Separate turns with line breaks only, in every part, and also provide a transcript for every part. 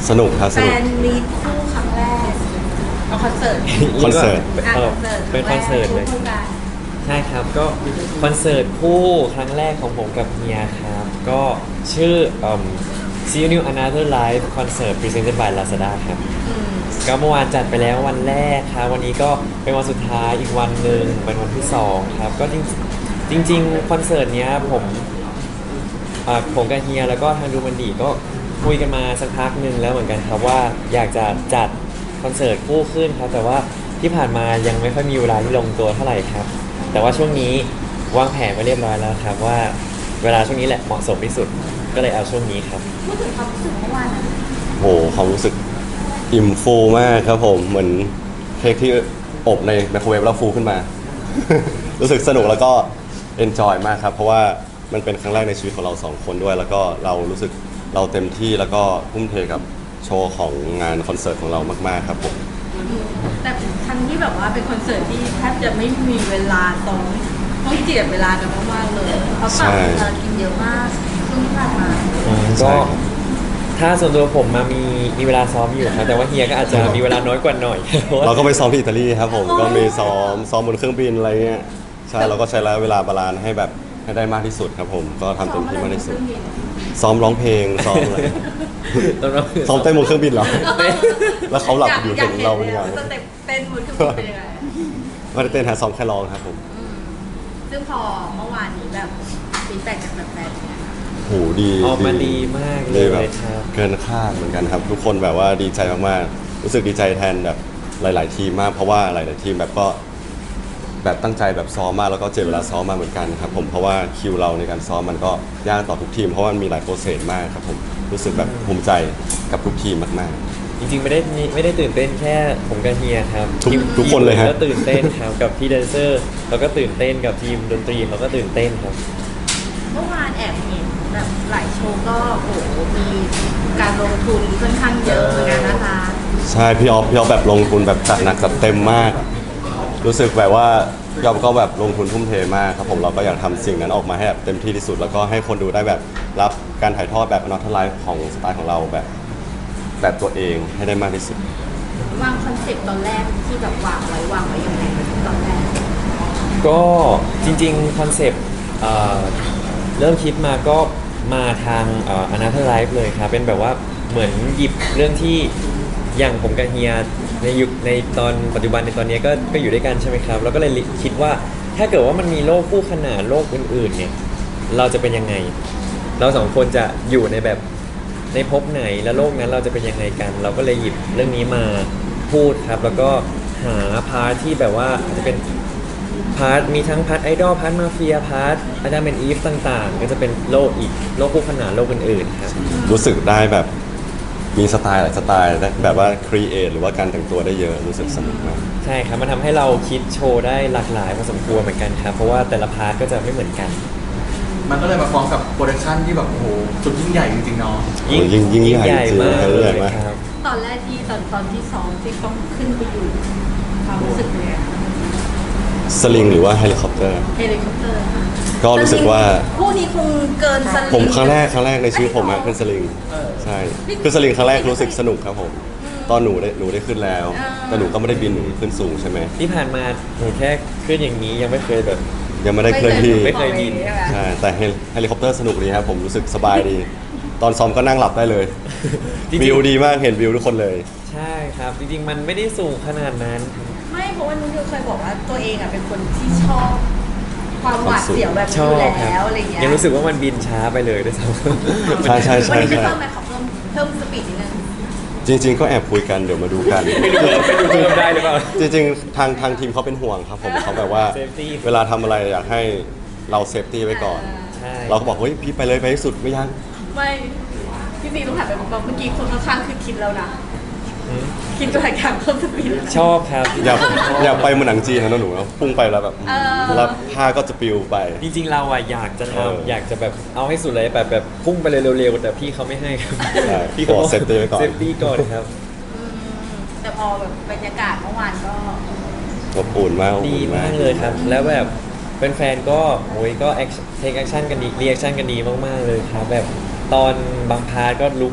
สนุกครับ
แฟ
สนุก
นมีตคู่ครั้งแรกเอาคอนเสิร์ต
คอนเสิร์ต
เป็นคอนเสิร์ตเลย
คู่กัน
ใช่ครับก็คอนเสิร์ตคู่ครั้งแรกของผมกับเฮียครับก็ชื่อSee You New Another Life Concert Presented by Lazada ครับ
อืม
ก็เมื่อวานจัดไปแล้ววันแรกครับวันนี้ก็เป็นวันสุดท้ายอีกวันหนึ่งเป็นวันที่2ครับก็จริงคอนเสิร์ตเนี้ยผมกับเฮียแล้วก็ทางดูมันดีก็คุยกันมาสักพักหนึ่งแล้วเหมือนกันครับว่าอยากจะจัดคอนเสิร์ตคู่ขึ้นครับแต่ว่าที่ผ่านมายังไม่ค่อยมีเวลาที่ลงตัวเท่าไหร่ครับแต่ว่าช่วงนี้วางแผนไว้เรียบร้อยแล้วครับว่าเวลาช่วงนี้แหละเหมาะสมที่สุดก็เลยเอาช่วงนี้ครับ
พูดถึงความรู้สึกเมื่อวานนะ
โหความรู้สึกอิ่มฟูมากครับผมเหมือนเค้กที่อบในไมโครเวฟแล้วฟูขึ้นมา รู้สึกสนุกแล้วก็เอนจอยมากครับเพราะว่ามันเป็นครั้งแรกในชีวิตของเราสองคนด้วย แล้วก็เรารู้สึกเราเต็มที่แล้วก็ทุ่มเทกับโชว์ของงานคอนเสิร์ตของเรามากๆครับผม
แต่ครั้งที่แบบว่าเป็นคอนเสิร์ตที่แทบจะไม่มีเวลาต้องเจียดเวลากันมากๆเลยเพราะฝั่งภารกิจเยอะมากช่วงที่ผ่านมา
ก็ถ้าส่วนตัวผมมามีเวลาซ้อมอยู่ครับแต่ว่าเฮียก็อาจจะมีเวลาน้อยกว่าหน่อย เพราะว่า
เราก็ไปซ้อมที่อิตาลีครับผมก็มีซ้อมบนเครื่องบินอะไรเงี้ยใช่เราก็ใช้เวลาบาลานซ์ให้แบบให้ได้มากที่สุดครับผมก็ทำเต็มที่มากที่สุดซ้อมร้องเพลงซ้อมอะไร
ตอนนั้น
ซ้อมเต้นบนเครื่องบินเหรอ แล้วเขาหลับอยู่เห็นเราเป็นยังไง
สเต็ปเต้นบนเครื่องบินเป็นยังไง
ไม่ได้เต้นหาซ้อมแค่ร้องครับผม
ซึ่งพอเมื่อวานนี้แบบฟีดแบ็กจากแฟนๆเนี่ย
โหดี
ออกมาดีมากเล
ดี
ย
แบบ
ครับ
เกินคาดเหมือนกันครับ ทุกคนแบบว่าดีใจมากๆรู้สึกดีใจแทนแบบหลาย ๆ ทีมมากเพราะว่าหลาย ๆ ทีมแบบก็แบบตั้งใจแบบซ้อมมากแล้วก็เจ็บเวลาซ้อมมาเหมือนกันครับผมเพราะว่าคิวเราในการซ้อมมันก็ยากต่อทุกทีมเพราะว่ามันมีหลายโปรเซสมากครับผมรู้สึกแบบภูมิใจกับทุกทีมมาก
จริงๆไม่ได้ตื่นเต้นแค่ผมกับเฮียครับ
ทุกคนเลยฮะ
ก็ตื่นเต้นครับกับพี่แดนเซอร์แล้วก็ตื่นเต้นกับทีมดนตรีเขาก็ตื่นเต้นครับ
เมื่อวานแอบเห็นแบบหลายโชว์ก็โอ้โหมีการลงทุนค่อนข้างเยอะเหมือนกันนะคะ
ๆใช่พี่ออฟแบบลงทุนแบบจัดหนักจัดเต็มมาก รู้สึกแบบว่าพี่ออฟก็แบบลงทุนทุ่มเทมากครับผมเราก็อยากทำสิ่งนั้นออกมาให้แบบเต็มที่ที่สุด แล้วก็ให้คนดูได้แบบรับการถ่ายทอดแบบนอตไลฟ์ของสไตล์ของเราแบบตัวเองให้ได้มากที่สุด
วางคอนเซ็ปต์ตอนแรกที่แบบวางไว้ยังไงตอนแรก
ก็จริงๆคอนเซปต์เริ่มคิดมาก็มาทางAnother Life เลยครับเป็นแบบว่าเหมือนหยิบเรื่องที่อย่างผมกับเฮียในยุคในตอนปัจจุบันในตอนนี้ก็อยู่ด้วยกันใช่ไหมครับแล้วก็เลยคิดว่าถ้าเกิดว่ามันมีโลกคู่ขนานโลกอื่นๆเนี่ยเราจะเป็นยังไง เราสองคนจะอยู่ในแบบในภพไหนและโลกนั้นเราจะเป็นยังไงกัน เราก็เลยหยิบเรื่องนี้มาพูดครับแล้วก็หาพาร์ทที่แบบว่าอาจจะเป็นพาร์ทมีทั้งพาร์ทไอดอลพาร์ทมาเฟียพาร์ทอาจจะเป็นอีฟต่างๆ ก็จะเป็นโลกอีกโลกคู่ขนานโลกอื่นๆครับ
รู้สึกได้แบบมีสไตล์หลายสไตล์ได้แบบว่าครีเอทหรือว่าการแต่งตัวได้เยอะรู้สึกสนุกมาก
ใช่ครับมันทำให้เราคิดโชว์ได้หลากหลายพอสมควรเหมือนกันครับเพราะว่าแต่ละพาร์ทก็จะไม่เหมือนกัน
มันก็เลยมาฟ้องกับโปรดักชันที่แบบโอ้โหสุดยิ่งใหญ่จริงๆเนาะ
ยิ่งใหญ่จริง
มาก
ยิ่ง
เล
ใหญ่
ย
มาก
ครับ
ตอนแรกที่ตอนที่ซ้อมที่ต้องขึ้นไปอยู่ความรู้สึกเนี่ย
สลิงหรือว่าเฮลิคอปเตอร์
เฮลิคอปเตอร์ค่ะ
ก็รู้สึกว่า
คู่นี้คงเกินสลิง
ผมครั้งแรกในชีวิตผมอะขึ้นสลิงใช่ขึ้นสลิงครั้งแรกรู้สึกสนุกครับผมตอนหนูได้ขึ้นแล้ว แต่หนูก็ไม่ได้บินหนูขึ้นสูงใช่ไหม
ที่ผ่านมาหนูแค่ขึ้นอย่างนี้ยังไม่เคยแบบ
ยังไม่ได้เคลื่อนที่
ไม่เคยบิน
ใช่แต่เฮลิคอปเตอร์สนุกดีครับผมรู้สึกสบายดี ตอนซ้อมก็นั่งหลับได้เลย
จริงๆ
วิวดีมากเห็นวิวทุกคนเลย
ใช่ครับจริงๆมันไม่ได้สูงขนาดนั้น
ไม่เพราะว่านุ้ยเคยบอกว่าตัวเองอ่ะเป็นคนที่ชอบความหวาดเสียวแบบ
ช
นี้
อ
อยู่
บครั
แล้วอะไรเงี้ย
ยังรู้สึกว่ามันบินช้าไปเลยด้วยซ้ำ
ใช่ใช่
วัน
ใช่
นี้จะ
ใช่
เพิ่มไหมขอเพิ่มสปีดนิดนึง
จริง ๆ ก็แอบคุยกันเดี๋ยวมาดูกัน
ไม่รู้เพิ่มได้หรือเปล่า
จริงๆทางทีมเขาเป็นห่วงครับผมเขาแบบว่า
Safety
เวลาทำอะไรอยากให้เราเซฟตี้ไว้ก่อน
ใช่
เราก็บอกเฮ้ยพี่ไปเลยไปให้สุดไม่ยัง
ไม่พี่ซีต้องถามไปบอกเมื่อกี้คนข้างๆคือคิดแล้วนะ
อืม
คิดตัวอยากเพิ่มสปีด
ชอบครับ
อย่าไปเหมือนหนังจีนนะหนูนะพุ่งไปแล้วแบบ
เออ
แล้วผ้าก็จะปลิวไป
จริงๆเราอะอยากจะ
เออ
ทำอยากจะแบบเอาให้สุดเลยแบบพุ่งไปเลยเร็วๆแต่พี่เขาไม่ให้ครับ
ใช่
พี่เขา
ขอ safety ไว้ก่อน
เซฟตี้ก่อนครับ
อืมแต่พอแบบบรรยากาศเมื่อวานก็
อบอุ่นมากอบ
ดี
อุ่น
มากเลยครับ แล้วแบบแฟนๆก็โอ้ยก็เทคแอคชั่นกันดีรีแอคชั่นกันดีมากๆเลยครับ แบบตอนบางพาร์ทก็ลุกขึ้น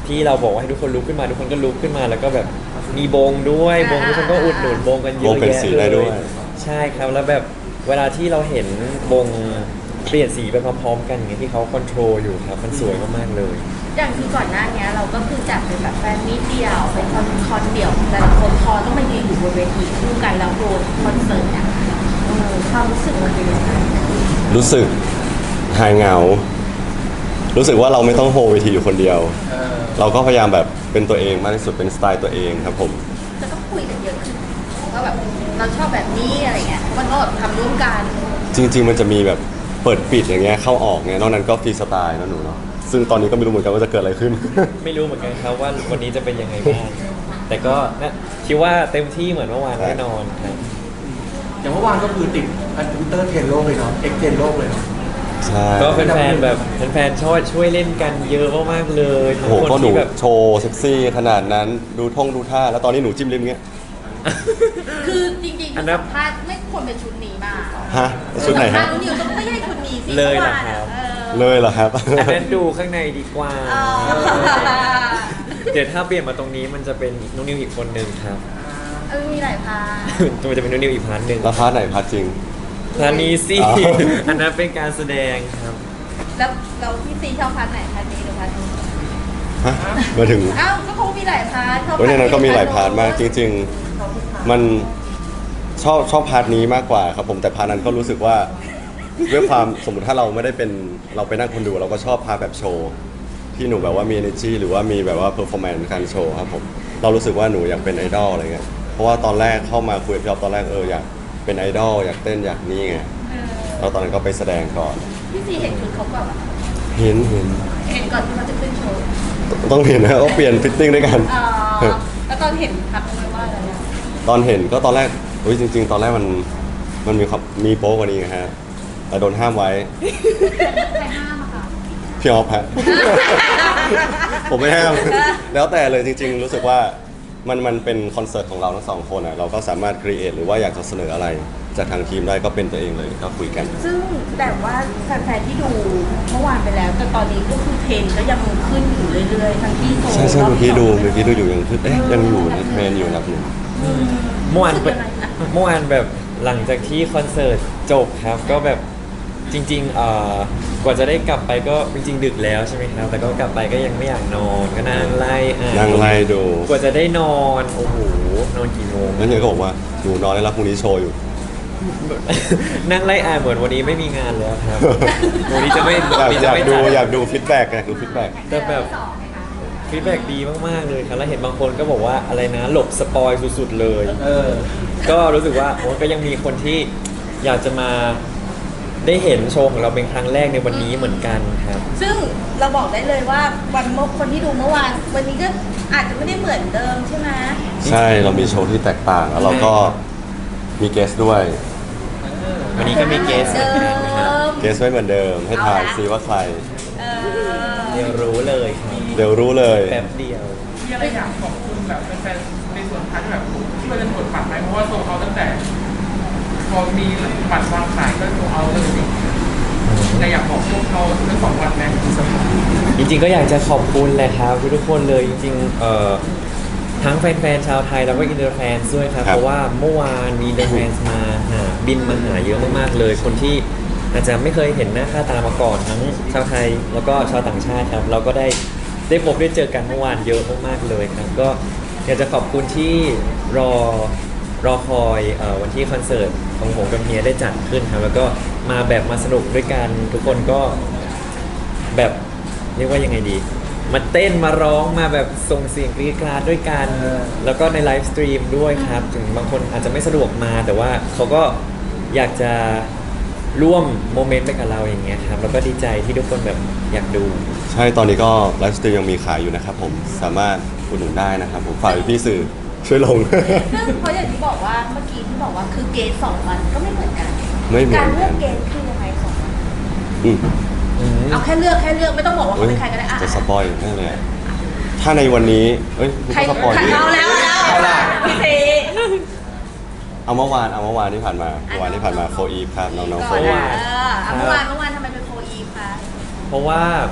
ที่เราบอกว่าให้ทุกคนลุกขึ้นมาทุกคนก็ลุกขึ้นมาแล้วก็แบบมีบงด้วยบงทุกคนก็อุดหนุนบงกันเย
บ
อะ
งเป็น
แยะ
สี
เล
ได้ด้วย
ยใช่ครับแล้วแบบเวลาที่เราเห็นบงเปลี่ยนสีไปพร้อมๆกันอย่างเงี้ยที่เขาคอนโทรลอยู่ครับมันสวยมากๆเลย
อย่างที่ก่อนหน้านี้เราก็คือจัดเป็นแบบแฟนมีตเดี่ยวเป็นคอนเดี่ยวแต่ละคนพอต้องมายืนอยู่บนเวทีคู่กันแล้วโดนคอนเสิร์ตเนี่ยความรู้สึกมันเป็นยังไง
รู้สึกหายเหงา รู้สึกว่าเราไม่ต้องโฮเวทีอยู่คนเดียว เราก็พยายามแบบเป็นตัวเองมากที่สุดเป็นสไตล์ตัวเองครับผม
จะต้องคุยกันเยอะขึ้นว่าแบบเราชอบแบบนี้อะไรเงี้ยเพราะมันก็แบบทำร่วมกัน
จริง ๆ มันจะมีแบบเปิดปิดอย่างเงี้ยเข้าออกเงี้ยนอกนั้นก็ฟรีสไตล์นะหนูเนาะซึ่งตอนนี้ก็ไม่รู้เหมือนกันว่าจะเกิดอะไรขึ้น
ไม่รู้เหมือนกันครับว่าวันนี้จะเป็นยังไงบ้างแต่ก็นะคิดว่าเต็มที่เหมือนเมื่อวานแน่นอนครับ
อย่างเมื่อวานก็คือติดอันทวิตเตอร์เทรนด์โลกเลยเนาะเอ็กเทรนด์โลกเลยเนาะ
ใช่
ก็แฟนๆแบบแฟนๆช่วยเล่นกันเยอะมากๆเลยทั้
โอ้
ง
โห
คน
ก็หนู
ที่แบบ
โชว์เซ็กซี่ขนาดนั้นดูท่าแล้วตอนนี้หนูจิ้มลิ้มเงี้ย
คือจริงๆ
อันนั้น
สัมภาษณ์ไม่ควรเป็นชุดนี้มา
ฮะชุดไหน
สัม
ฮะ
ภาษณ์นิวต้องไม่ใช่ชุดนี้สิ
เลยเหรอ
มื่วาน
ครับ
เลยเหรอครับ
อันนั้นดูข้างในดีกว่า
อ๋อ
เดี๋ยวถ้าเปลี่ยนมาตรงนี้มันจะเป็นนุนิวอีกคนนึงครับ
มีหลายพาร์ท
มันจะเป็นนุนิวอีกพาร์ทหนึ่ง
แล้วพาร์ทไหนพาร์ทจริง
พาร์ทนี้สิ
อ๋อ
อันนั้นเป็นการแสดงครับ
แล้วเราพี่ซีชอบพาร์ทไหนพาร์ทนี้หรือพาร์ทนู้น
ฮะมาถึง
อ้าวก็เขามีหลายพาร์ทชอบ
เว้ยในนั้นก็มีหลายพาร์ทมากจ
ง
ริง ๆ มันชอบพาร์ทนี้มากกว่าครับผมแต่พาร์ทนั้นก็รู้สึกว่าด้วยความสมมติถ้าเราไม่ได้เป็นเราไปนั่งคนดูเราก็ชอบพาร์ทแบบโชว์ที่หนูแบบว่ามี energy หรือว่ามีแบบว่า performance การโชว์ครับผมเรารู้สึกว่าหนูอยากเป็นไอดอลอะไรเงี้ยเพราะว่าตอนแรกเข้ามาคุยกับพี่อ๊อฟตอนแรกอยากเป็นไอดอลอยากเต้นอยากนี่ไงแล้วตอนนั้นก็ไปแสดงก่อน
พี่ซีเห็นชุดเขาก่อนเหรอ
เห็น
เห็นก่อนที่เขาจะขึ้นโชว์
ต้องเห็นนะว่าเปลี่ยนฟิตติ้งด้วยกัน
อ๋อแล้วตอนเห็นทักไหมว่าอะไรอะ
ตอนเห็นก็ตอนแรกอุ้ยจริง ๆ ตอนแรกมันมีโป๊กว่านี้ไงฮะแต่โดนห้ามไว้
ใครห้ามอะคะ
พี่ออฟฮะ ผมไม่ห้าม แล้วแต่เลยจริง ๆ รู้สึกว่ามันเป็นคอนเสิร์ตของเราทั้งสองคนอ่ะเราก็สามารถครีเอทหรือว่าอยากจะเสนออะไร จากทางทีมได้ก็เป็นตัวเองเลยก็คุยกัน
ซึ่งแต่ว่าแฟนๆที่ดูเมื่อวานไปแล้ว แต่ตอนนี้ก็คือเทรนด์ก็ยังขึ้นอยู่เรื่อยๆทั้งที่โซ
ใช่ใช่
รบ
เมื่อกี้
สง
ดูอยู่ยังคือยังอยู่ในเทรนอยู่อันดับหนึ่ง
เมื่อวาน
รู้สึกยังไงนะ
เมื่อวานแบบหลังจากที่คอนเสิร์ตจบครับก็แบบจริงๆกว่าจะได้กลับไปก็จริงๆดึกแล้วใช่ไหมครับแต่ก็กลับไปก็ยังไม่อยากนอนก็นั่งไล่อ่าน
นั่งไล่ดู
กว่าจะได้นอนโอ้โหนอนกี่โมง
แล้วเฮียก็บอกว่าหนูนอนได้แล้วพรุ่งนี้โชว์อยู่
นั่งไล่อ่านเหมือนวันนี้ไม่มีงานแล้วครับ วันนี้จะไม่
อยาก
จะไม่
ดู
จัด
อยากดูฟีดแบ็กอยากดูฟีดแบ็ก
แต่แบบฟีดแบ็กดีมากๆเลยครับแล้วเห็นบางคนก็บอกว่าอะไรนะหลบสปอยสุดๆเลย ก็รู้สึกว่าโอ้ก็ยังมีคนที่อยากจะมาได้เห็นโชว์ของเราเป็นครั้งแรกในวันนี้เหมือนกันครับ
ซึ่งเราบอกได้เลยว่าวันเมื่อคนที่ดูเมื่อวานวันนี้ก็อาจจะไม่ได้เหมือนเดิมใช่ไหม
ใช่เรามีโชว์ที่แตกต่างแล้วเราก็มีเกสด้วย
วันนี้ก็มีเกสเหมือนกันนะครับ
เกสไม่เหมือนเดิมให้ทายซิว่าใคร
เออ
เดี๋ยวรู้เลยครับ
เดี๋ยวรู้เลย
แป๊บเดียว
มีอะไรอยากขอบคุณแบบแฟนๆในส่วนท้ายแบบที่มันจะกดบัตรไหมเพราะว่าโซลเอาตั้งแต่ พอมีบัตรวางขายก็โซลเอาเลยสิแต่อยากบอกพวกเขาทั้งสองวันไหม
จริงๆก็อยากจะขอบคุณแหละครับทุกๆคนเลยจริงๆทั้งแฟนๆชาวไทยแล้วก็อินเตอร์แฟนด้วยครับ
ครับ
เพราะว่าเมื่อวานมีอินเตอร์แฟนมาหาบินมาหาเยอะมากๆเลย คนที่อาจจะไม่เคยเห็นหน้าค่าตามาก่อนทั้งชาวไทยแล้วก็ชาวต่างชาติครับเราก็ได้พบได้เจอกันเมื่อวานเยอะมากๆเลยครับก็อยากจะขอบคุณที่รอคอยวันที่คอนเสิร์ตของผมกับเฮียได้จัดขึ้นครับแล้วก็มาแบบมาสนุกด้วยกันทุกคนก็แบบเรียกว่ายังไงดี มาเต้นมาร้องมาแบบส่งเสียงกรีดกราดด้วยกัน แล้วก็ในไลฟ์สตรีมด้วยครับ ถึงบางคนอาจจะไม่สะดวกมา แต่ว่าเขาก็อยากจะร่วมโมเมนต์ไปกับเราอย่างเงี้ยครับแล้วก็ดีใจที่ทุกคนแบบอยากดู
ใช่ตอนนี้ก็ไลฟ์สตรีมยังมีขายอยู่นะครับผมสามารถอุดหนุนได้นะครับผมฝากพี่ๆสื่อช่วยลง
ซึ่งเพราะอย่างที่บอกว่าเมื่อกี้ที่บอกว่าคือเกณฑ์2 วันก็ไม่เหมือนกัน
ไม่เหมือนกัน
การเลือกเกณฑ์คือยังไง2 วัน
อืม
เอาแค่เลือกไม่ต้องบอกว่าเขาเป็นใครก็ได้อ่ะ
จะสปอยล์ได้เลยอะถ้าในวันนี้เอ้ยคุณ
ใคร
ก็สปอยล์ดิ
เอาแล้วพี่ซี
เอาเมื่อวานที่ผ่านมาเมื่อวานที่ผ่านมาโฟอีฟครับน้องๆโฟ
ก่อน
อีฟ
นะเมื่อวานทำไมเป็นโฟอีฟคะ
เพราะว่า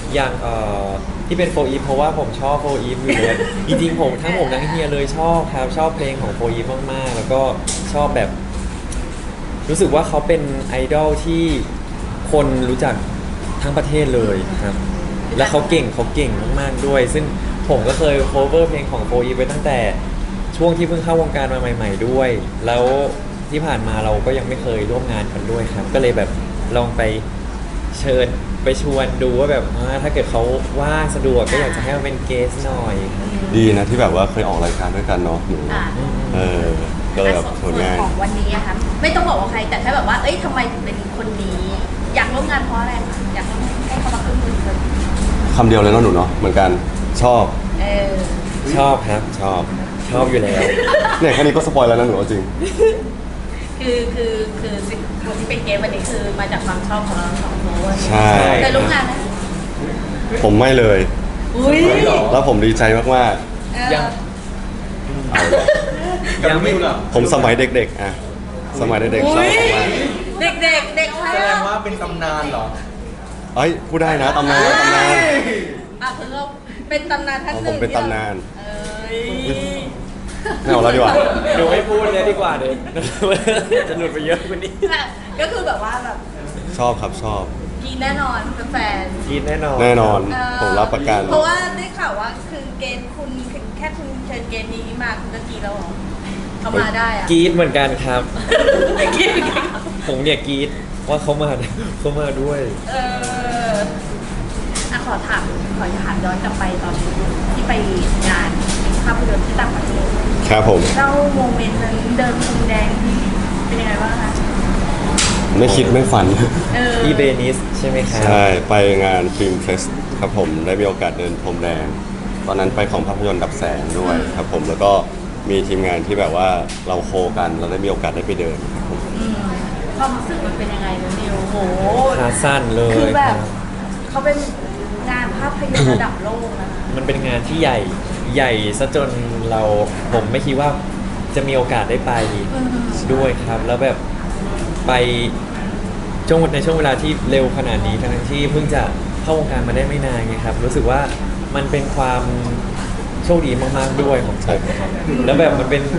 อย่างที่เป็นโฟอีฟเพราะว่าผมชอบโฟอีฟอยู่แล้วจริงๆผมทั้งเฮียเลยชอบครับชอบเพลงของโฟอีฟมากๆแล้วก็ชอบแบบ รู้สึกว่าเขาเป็นไอดอลที่คนรู้จักทั้งประเทศเลยครับ และเขาเก่งมากๆด้วย ซึ่งผมก็เคย cover เพลงของโฟอีฟไปตั้งแต่ช่วงที่เพิ่งเข้าวงการมาใหม่ ๆด้วย แล้วที่ผ่านมาเราก็ยังไม่เคยร่วมงานกันด้วยครับ ก็เลยแบบลองไปเชิญไปชวนดูว่าแบบถ้าเกิดเขาว่างสะดวกก็อยากจะให้มาเป็นเกสหน่อยครับ
ดีนะที่แบบว่าเคยออกรายการด้วยกันเนาะหนู
อ่า
ก็เลยแบบผ
ส่ว
ล
น
งาน
ของวันนี้อะคะไม่ต้องบอกว่าใครแต่แค่แบบว่าเอ้ยทำไมถึงเป็นคนนี้ อยากร่วมงานเพราะอะไรคะอยากให้เขามาขึ้นมือกัน
คำเดียวเลยเนาะหนูเนาะเหมือนกันชอบ
เออ
ชอบครับ
ชอบ
ชอบอยู่แล้ว
เนี่ยแค่นี้ก็สปอยแล้วนะหนูเอาจริง
คือสิ่งคนที่เป็นเกมวันนี้คือมาจากความชอบของเราสองคน
ใช่
เคยร่วมงานไหม
ผมไม่เลย
อุ้ย
แล้วผมดีใจมาก
ยัง
ยังไม่รู้เหรอ
ๆ ผมสมัยเด็กๆอะสมัยเด็กๆชอบมาก
เด็กเด็กใคร
แสด
อะ
งว่าเป็นตำนานเหรอ
เอ้ยพูดได้นะตำนานตำนาน
อ่ะคือเราเป็นตำนานท่านห
ผ
นึ่
ม
ง
เป็นตำนาน
เอ้ย
ไม่เอาแล้วดีกว่า
ดูไม่พูดเลยดีกว่าเดี๋ยว จะหลุดไปเยอะกว่านี้
ก็คือแบบว่าแบบ
ชอบครับชอบ
กินแน่นอนเป็นแฟน
กินแน่นอน
แน่นอน
เออ
ผมรับประกัน
เพราะว่าได้ข่าวว่าคือเกณฑ์คุณแค่คุณเชิญเกณฑ์นี้มาคุณก็กรีดแล้วเหรอเขามาได้อะ
กรีดเหมือนกันครับ
กรีด
ผมเนี่ยกรีดว่าเขามาด้วย
เอออ่ะขอถามย้อนกลับไปตอนที่ไปงานภาพยนตร์ที่ต่างประเทศ
ครับผม
เล่าโมเมนต์นั้นเดินพรมแดงที่เป็นยังไงบ้างคะ
ไม่คิดไม่ฝัน
เออ
อีเบนิสใช่ไหมครับ
ใช่ ไปงานฟิล์มเฟสครับผมได้มีโอกาสเดินพรมแดง ตอนนั้นไปของภาพยนตร์ดับแสงด้วยครับผมแล้วก็มีทีมงานที่แบบว่าเราโคกันเราได้มีโอกาสได้ไปเดินครับผม
อืมความรู้สึกมันเป็นยังไงนะนิวโห
ขาสั้นเลย
คือแบ
ครับ บ
เขาเป็นงานภาพยนตร์ระดับโลกนะ
มันเป็นงานที่ใหญ่ซะจนผมไม่คิดว่าจะมีโอกาสได้ไปด้วยครับ แล้วแบบไปในช่วงเวลาที่เร็วขนาดนี้ทั้งที่เพิ่งจะเข้าวงการมาได้ไม่นานไงครับ รู้สึกว่ามันเป็นความโชคดีมากๆด้วยของผมครับแล้วแบบมันเป็น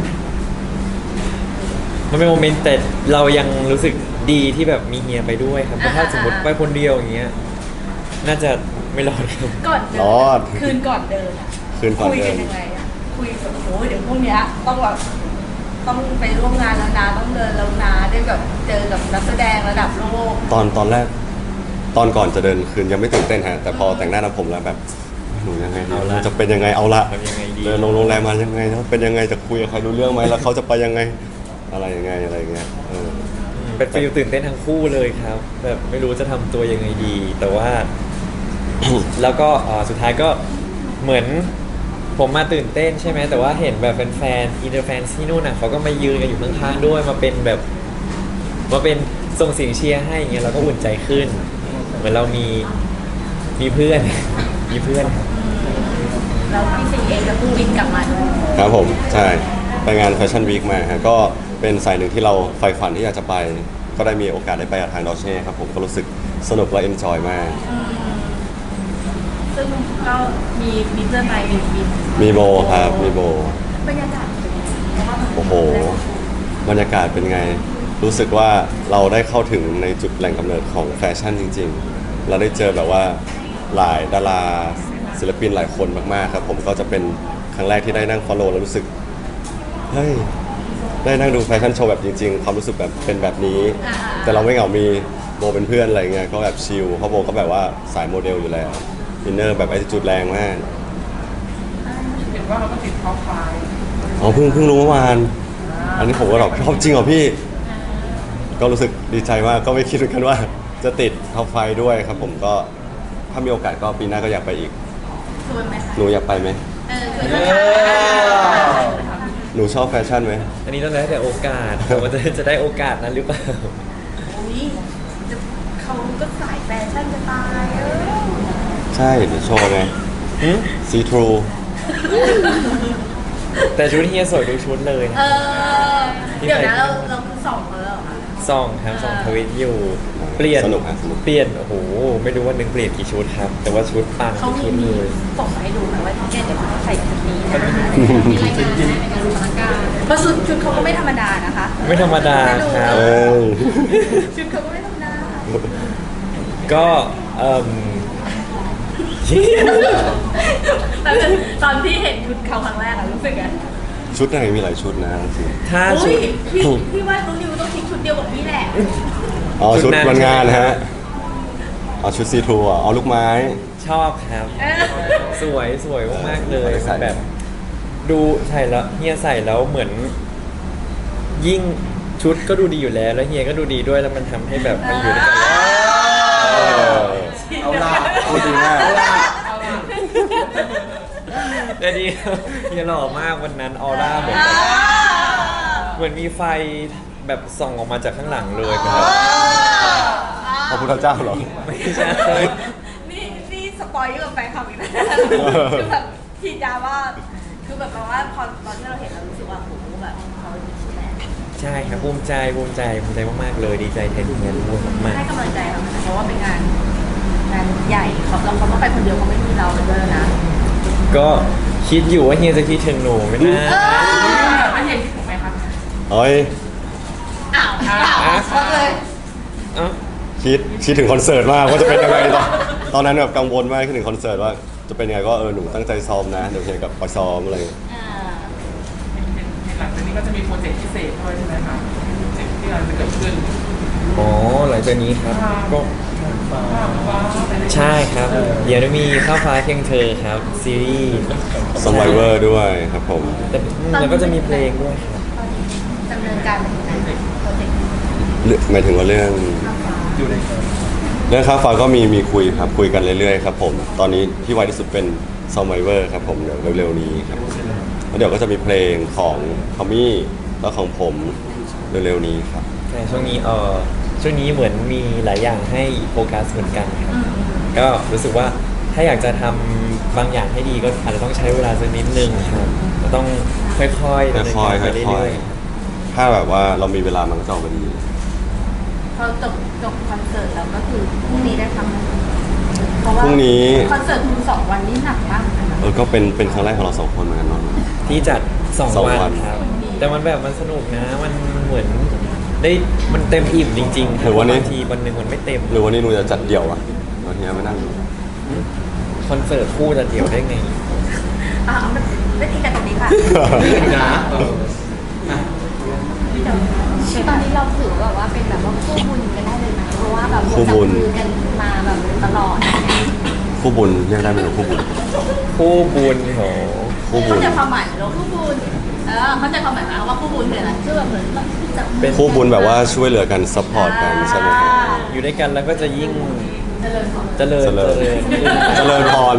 โมเมนต์แต่เรายังรู้สึกดีที่แบบมีเฮียไปด้วยครับเพราะถ้าสมมติไปคนเดียวอย่างเงี้ยน่าจะไม่รอดครับ
ก่อนเดิ
รอด
คืนก่อนเดินอะ
คืนก่อน
คุย
เดิ
กัน
น
ยังไงอะคุยแบบโอ้ยเดี๋ยวพรุ่งเนี้ยต้องแบบต้องไปร่วมงานแล้วนะต้องเดินแล้วนะได้แบบเจอกับนักแสดงระดับโลก
ตอนแรกตอนก่อนจะเดินคืนยังไม่ตื่นเต้นฮะแต่พอแต่งหน้าทำผมแล้วแบบหนูยังไงดี
เอาละ
จะเป็นยังไงเอาละ
ทำยังไงดี
เดินลงโรงแรมมายังไงนะเป็นยังไงจะคุยกับใครรู้เรื่องไหมแล้วเขาจะไปยังไงอะไรยังไงอะไรอย่างเงี้ย
เป็นฟีลตื่นเต้นทั้งคู่เลยครับ แบบไม่รู้จะทำตัวยังไงดี แต่ว่า แล้วก็สุดท้ายก็เหมือนผมมาตื่นเต้นใช่ไหมแต่ว่าเห็นแบบแฟนอินเตอร์แฟนที่นู่นน่ะเขาก็มายืนกันอยู่ข้างๆด้วยมาเป็นแบบมาเป็นส่งเสียงเชียร์ให้อย่างเงี้ยเราก็อุ่นใจขึ้น เหมือนเรามีเพื่อน มีเพื่อนครับ
แล้วพี่สิงห์เองก็เพิ่งบินกลับมาด้วย
ครับผมใช่ไปงานแฟชั่นวีคมาฮะก็เป็นสายหนึ่งที่เราใฝ่ฝันที่อยากจะไป ก็ได้มีโอกาสได้ไปกับทางดอเช่ครับผมก็รู้สึกสนุกและเอนจอยมาก
ซึ่งก็มีเพื่อนไปบิน
มีโบครับมีโบ
บรรยากาศเป็นยังไงเพราะว่ามัน
โอ้โห บรรยากาศเป็นไง รู้สึกว่าเราได้เข้าถึงในจุดแหล่งกำเนิดของแฟชั่นจริงๆ เราได้เจอแบบว่าหลายดาราศิลปินหลายคนมากๆครับผมก็จะเป็นครั้งแรกที่ได้นั่ง follow แล้วรู้สึก เฮ้ย ได้นั่งดูแฟชั่นโชว์แบบจริงๆ ความรู้สึกแบบเป็นแบบนี้ แต่เราไม่เหงา มีโบเป็นเพื่อนอะไรเงี้ย ก็แบบชิลเพราะโบก็แบบว่าสายโมเดลอยู่แล้วอินเนอร์แบบ attitude แรงมาก
เห็นว่าเราก็ติดท็อปไฟว์
อ๋อเพิ่งรู้เมื่อวาน อันนี้ผมก็แบบชอบจริงเหรอพี่ ก็รู้สึกดีใจมาก ก็ไม่คิดเหมือนกันว่า จะติดท็อปไฟด้วยครับผมก็ถ้ามีโอกาสก็ปีหน้าก็อยากไปอีก
ชวนไหมคะ
หนูอยากไปไหม
ชวนไหม
หนูชอบแฟชั่นไหม
อันนี้ต้องแล้วแต่โอกาสว่าจะได้โอกาสนั้นหรือเปล่า
อุ๊ยเขาก็สายแฟชั่นจะตาย
ใช่เดี๋ยวโชว์ไงซีทรู
แต่ชุดเฮียสวยทุกชุดเลย
เออเดี๋ยวนะเราคือสองเขาแล้วเหรอคะ
ส่องครับส่องทวิตอยู่เปลี่ยน
สนุกฮะสนุก
เปลี่ยนโอ้โหไม่รู้ว่านึงเปลี่ยนกี่ชุดครับ แต่ว่าชุดปัง
เขา
ทุก
มี
ชุดเลย
ส่งมาให้ดูไหมว่าเนี่ยเดี๋ยวเขาใส่ชุดนี้นะมีรายงานได้ในการสถานการณ์เพราะชุดเขาก็ไม่ธรรมดานะคะ
ไม่ธรรมดาครับ
เอ้ย
ชุดเขาก็ไม่ธรรมดา
ก็
ตอนที่เห็นชุดเขาครั้งแรกอะรู้สึกไง
ชุดไหนมีหลายชุดนะจริง
ถ้า
อุ้
ชุ
ย
ด
พี่ว่าน้องนิวต้องคิดชุดเดียวกับพี่แหละ
อ๋อ
ชุ
ชุ
ด
ด
นั้น
วันงานนะฮะเอาชุดซีทรูอ่ะเอาลูกไม้
ชอบครับ สวยสวยมากๆเลย
ใส่
แบบ ดูใส่แล้วเฮียใส่แล้วเหมือน ยิ่งชุดก็ดูดีอยู่แล้วแล้วเฮียก็ดูดีด้วยแล้วมันทำให้แบบมันอยู่ด้วยกันแล้ว
เออ
เอาล่ะ
พูดดีมาก
แต่ดีเฮียหล่อมากวันนั้นออร่าเหมือนมีไฟแบบส่องออกมาจากข้างหลังเลยครับ
พระพุทธเจ้าเหรอ
ไม่ใช่
นี่สปอยเยอะกับแฟนคลับอีกนะคือแบบฉีดยาว่าคือแบบว่าพอตอนที่เราเห็นเรารู้สึกว่าโหแบบเขาดีใช่ไหม
ใช่ครับภูมิใจมากๆเลยดีใจแทนเฮียด้วยมาก
ให้กำลังใจเขาเพราะว่าเป็นงานใหญ่เขาเราเขาต้องไปคนเดียวเขาไม่มีเราด้วยนะ
ๆก็คิดอยู่ว่าเฮียจะคิดถึงหนูไหมนะ
ไม่เห็นถูกไหมคะ
เฮ้ย
อ้าวเขาเลย
เอ้า
คิดถึงคอนเสิร์ตมากว่าจะเป็นยังไงตอนนั้นแบบกังวลมากคิดถึงคอนเสิร์ตว่าจะเป็นยังไงก็หนูตั้งใจซ้อมนะเดี๋ยวเฮียกับไปซ้อมอะไร
หลังจากนี้ก็จะมีโปรเจกต์พิเศษด้วยใช่ไหมคะโปรเจกต์ที่กำลังจะเกิดขึ้น
อ๋อหลังจากนี้ครับก็
ว้าวไปเลย
ใช่ครับ เดี๋ยวจะมีข้าวฟ้าเคียงเธอครับ ซีรีส์
Survivor ด้วยครับผม
แต่แล้วก็จะมีเพลงด้วยครับ
ดำเนินการแบบไหนโปรเจกต์
หมายถึงว่าเรื่อง
ข้าวฟ้า
อยู่ใน
เรื่องค่าฟ้าก็มีคุยครับคุยกันเรื่อยๆครับผมตอนนี้ที่ไวที่สุดเป็น Survivor ครับผมเดี๋ยวเร็วๆนี้ครับแล้วเดี๋ยวก็จะมีเพลงของทอมมี่แล้วของผมเร็วๆนี้ครับ
ใช่ช่วงนี้เหมือนมีหลายอย่างให้โฟกัสเหมือนกันครับ ก็รู้สึกว่าถ้าอยากจะทำบางอย่างให้ดีก็อาจจะต้องใช้เวลาสักนิดนึงครับก็ต้องค่อยๆดำเนินการไปเรื่อยๆ
ถ้าแบบว่าเรามีเวลามันก็จะออกมาดี
พอจบคอนเสิร์ตแล้วก็คือพรุ่งนี้ได้ทำเพราะว่า
พรุ่งนี้
คอนเสิร์ตคุณ2 วันนี่หนักมากเลยนะ
ก็เป็นครั้งแรกของเราสองคนเหมือนกันเนาะ
ที่จัด
สอง
2 วั
วัน น
ครับ แต่มันแบบมันสนุกนะ มันเหมือนได้มันเต็มอิ่มจริงๆค
ห
รั
รือวันนี้
บางทีวันหนึ่งมันไม่เต็ม
หรือวันนี้หนูจะจัดเดี่ยวอะเราทีนี้ไม่นั่งดู
คอนเสิร์ตคู่จะเดี่ยวได้ไง
เอาไม่ตีกันตรงนี้ค่ะ
นะอ่ะ
ตอนนี้เราถือแบบว่าเป็นแบบว่าคู่บุญกันได้เลยนะเพราะว่าแบบ
คู่บุญ
จับมือกันมาแบบตลอด
คู่บุญเรียกได้ไหมหนูคู่บุญ
คู่บุญโห
คู่บุ
เข้า
ญ
ใจความหมายเหรอคู่บุญเข้าใจความหมายไหมว่าคู่บุญคืออะไรคือแบบเหมือนแบบจับมือ
คู่บุญแบบว่าช่วยเหลือกันซัพพอร์ตกันใช่ไหมครับ
อยู่ด้วยกันแล้วก็จะยิ่ง
เจริญพร
เจริญ
เจริญ เจริญพร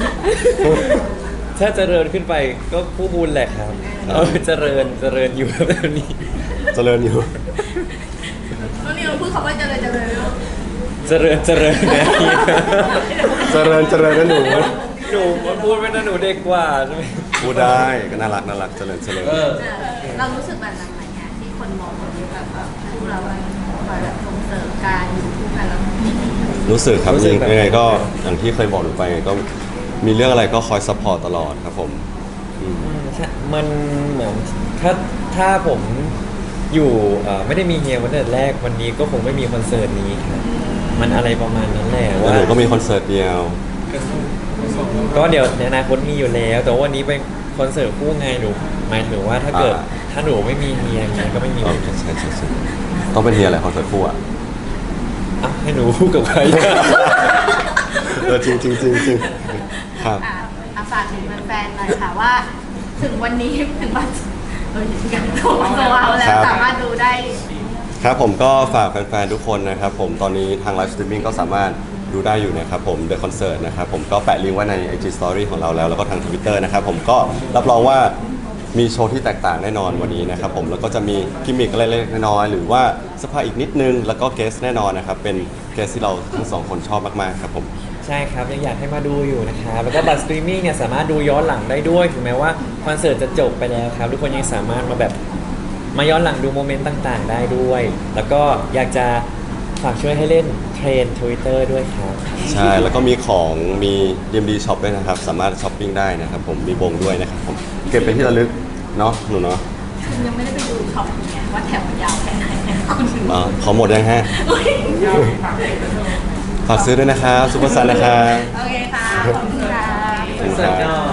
ถ้าเจริญขึ้นไปก็คู่บุญแหละครับเจริญอยู่แบบนี้
เจริญอยู่
น้องนิวพูดคำว่าเจริญเลยลูก
เจริญนะ
เจริญนะหนู
หนูมันพูดไม่นะหนูเด็กกว่าใช่ไหม
พูดได้ก็น่ารักเจริญ
เรารู้สึกแบบนั้นไหมเนี่ยที่คนมองแบบคู่เราคอยแบบส่งเสริมการอยู่คู่กันแล้ว
รู้สึกครับจริงยังไงก็อย่างที่เคยบอกหนูไปก็มีเรื่องอะไรก็คอยซัพพอร์ตตลอดครับผมอืม
ใช่มันเหมือนถ้าผมอยู่ไม่ได้มีเฮียวันแรกวันนี้ก็คงไม่มีคอนเสิร์ตนี้ครับมันอะไรประมาณนั้นแหละ
แล้ว
ว่า
หนูก็มีคอนเสิร์ตเดียว
ก็เดี๋ยวในอนาคตมีอยู่แล้ว แต่ว่าวันนี้เป็นคอนเสิร์ตคู่ไงหนูหมายถึงว่าถ้าเกิดถ้าหนูไม่มีเฮียเฮียก็ไม่มี
ใช่ต้องเป็นเฮียแหละคอนเสิร์ตคู่อ่ะ
อ่ะให้หนูพูดกับใคร
จริงครับ
ฝากถึงแฟนๆหน่อยค่ะว่า ถึงวันนี้ถึงวันกันโตัวเอาแล้วสามารถดูได้
ครับผมก็ฝากแฟนๆทุกคนนะครับผมตอนนี้ทางไลฟ์สตรีมมิ่งก็สามารถดูได้อยู่นะครับผม The Concert นะครับผมก็แปะลิงก์ไว้ใน IG Story ของเราแล้วก็ทาง Twitter นะครับผมก็รับรองว่ามีโชว์ที่แตกต่างแน่นอนวันนี้นะครับผมแล้วก็จะมีกิมมิคอะไรเล็กๆน้อยๆหรือว่าสภาอีกนิดนึงแล้วก็เกสแน่นอนนะครับเป็นเกสที่เราทั้งสองคนชอบมากๆครับผม
ใช่ครับยังอยากให้มาดูอยู่นะครับแล้วก็บัตรสตรีมมิ่งเนี่ยสามารถดูย้อนหลังได้ด้วยถึงแม้ว่าคอนเสิร์ตจะจบไปแล้วครับทุกคนยังสามารถมาแบบมาย้อนหลังดูโมเมนต์ต่างๆ ได้ด้วย แล้วก็อยากจะฝากช่วยให้เล่นเทรน Twitter ด้วยครับ
ใช่แล้วก็มีของมี DMD Shop ด้วยนะครับ สามารถช้อปปิ้งได้นะครับผมมีบงด้วยนะครับผมเก็บเป็นที่ระลึกเนาะหนูเนาะ
คุณยังไม่ได้ไปดูช็อปไงว่าแถวมันยาวแค่ไหนคุณถึง
ขอหมดยังฮะ
อุ๊ย
ยาวฝากเด็กกันเถอะ
ฝากซื้อด้วยนะครับซุปเปอร์ซันนะครับ
โอเคค่ะขอบคุณค่ะ
ขอบคุณครับ